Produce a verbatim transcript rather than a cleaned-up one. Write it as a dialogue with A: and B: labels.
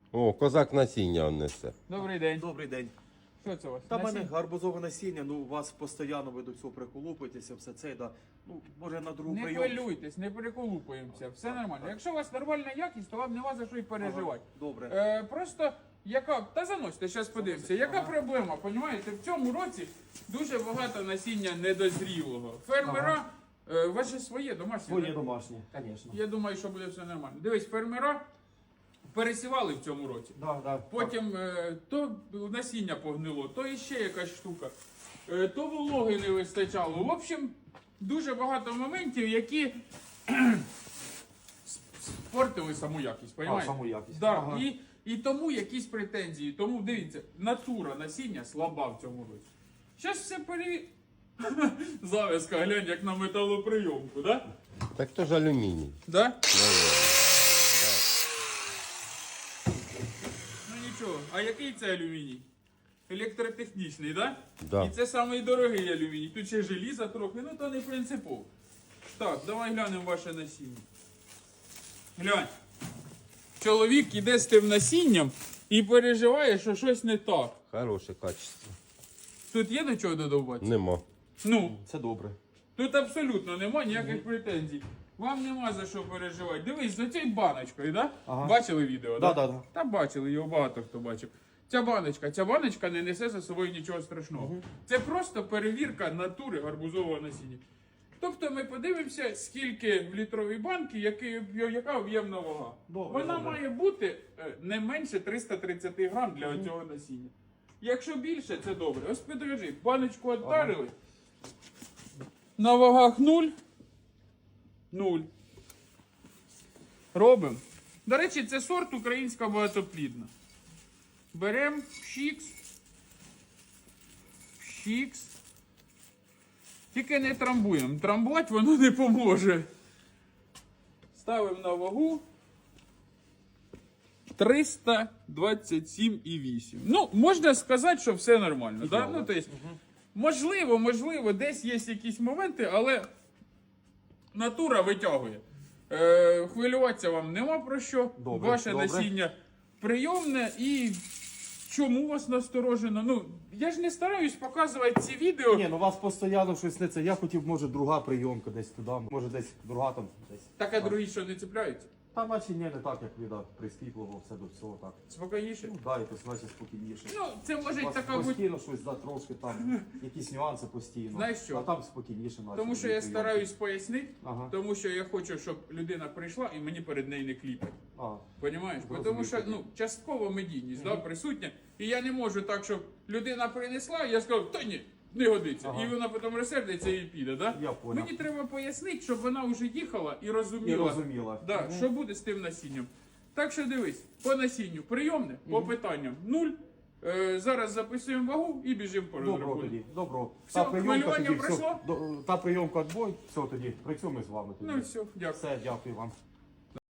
A: О, козак насіння он несе.
B: Добрий день.
C: Добрий день.
B: Що це у вас?
C: Та в мене
B: Насіння?
C: гарбузове насіння, ну у вас постійно ви до цього приколупуєтеся, все це, да. Ну, може на другу
B: Не
C: прийом.
B: хвилюйтесь, не переколупуємося, все нормально. Якщо у вас нормальна якість, то вам нема за що й переживати.
C: Добре.
B: Е, просто яка. Та заносьте, зараз подивимося. Яка проблема? Понімаєте, в цьому році дуже багато насіння недозрілого. Фермера, е, ваше своє домашнє.
C: Своє
B: да?
C: домашнє, звісно.
B: Я думаю, що буде все нормально. Дивись, фермера пересівали в цьому році.
C: Да, да.
B: Потім е, то насіння погнило, то іще якась штука, е, то вологи не вистачало. В общем, дуже багато моментів, які спортили саму якість.
C: А,
B: Понімаєте?
C: саму якість.
B: Да.
C: Ага.
B: І, і тому якісь претензії. Тому дивіться, натура насіння слаба в цьому році. Зараз все пере... Завязка, глянь, як на металоприйомку, да?
A: Так то ж алюміній.
B: Да? Ну нічого, а який це алюміній? Електротехнічний, так?
A: Да.
B: І це самий дорогий алюміній. Тут ще желіза трохи, ну то не принципово. Так, давай глянемо ваше насіння. Глянь. Чоловік іде з тим насінням і переживає, що щось не так.
A: Хороше качество.
B: Тут є до чого додавати?
A: Нема.
B: Ну,
C: Це добре.
B: тут абсолютно нема ніяких претензій. Вам нема за що переживати. Дивись, за цією баночкою, да?
C: Ага.
B: Бачили відео,
C: Да,
B: да?
C: да, да.
B: Та бачили, його багато хто бачив. Ця баночка, ця баночка не несе за собою нічого страшного. Це просто перевірка натури гарбузового насіння. Тобто ми подивимося, скільки в літровій банці, який, яка об'ємна вага.
C: Добре,
B: Вона
C: добре.
B: має бути е, не менше триста тридцять грам для цього насіння. Якщо більше, це добре. Ось підрежи, баночку віддарили. На вагах нуль. Нуль. Робимо. До речі, це сорт українська багатоплідна. Беремо пшікс. Пшікс. Тільки не трамбуємо. Трамбувати воно не поможе. Ставимо на вагу. триста двадцять сім і вісім. Ну, можна сказати, що все нормально. Да? Ну, то есть, можливо, можливо, десь є якісь моменти, але натура витягує. Е, хвилюватися вам нема про що.
C: Добре,
B: Ваше
C: добре.
B: насіння прийомне і чому вас насторожено? Ну, я ж не стараюсь показувати ці відео.
C: Ні, ну у вас постійно щось не це. Я хотів, може, друга прийомка десь туди, може десь друга там десь.
B: Так, а другі що не цепляються?
C: Та наче ні, не так, як ви да, прискіпливо, все до всього так.
B: Спокійніше?
C: Ну, да, якось наче спокійніше.
B: Ну, це може
C: У вас
B: така бути.
C: постійно щось, да, трошки там, якісь нюанси постійно.
B: Знаєш що?
C: А там спокійніше наче.
B: Тому що
C: дві
B: я
C: прийомки.
B: стараюсь пояснити,
C: Ага.
B: тому що я хочу, щоб людина прийшла і мені перед нею не кліпать.
C: А,
B: Понімаєш? Бо
C: Розумію.
B: Тому що ну, частково медійність да, присутня. І я не можу так, щоб людина принесла, і я сказав, та ні, не годиться.
C: Ага.
B: І вона потім розсердиться і піде. Да?
C: Я понял.
B: Мені треба пояснити, щоб вона вже їхала і розуміла,
C: І розуміла.
B: Да,
C: Мгм.
B: що буде з тим насінням. Так що дивись, по насінню прийомне, по питанням нуль. Е, зараз записуємо вагу і біжимо по
C: Добро
B: розрахунку.
C: тоді, добро.
B: Все, хвилювання
C: все,
B: пройшло?
C: до- та прийомка відбой, все тоді, працюємо з вами тоді.
B: Ну і все, дякую.
C: Все, дякую вам.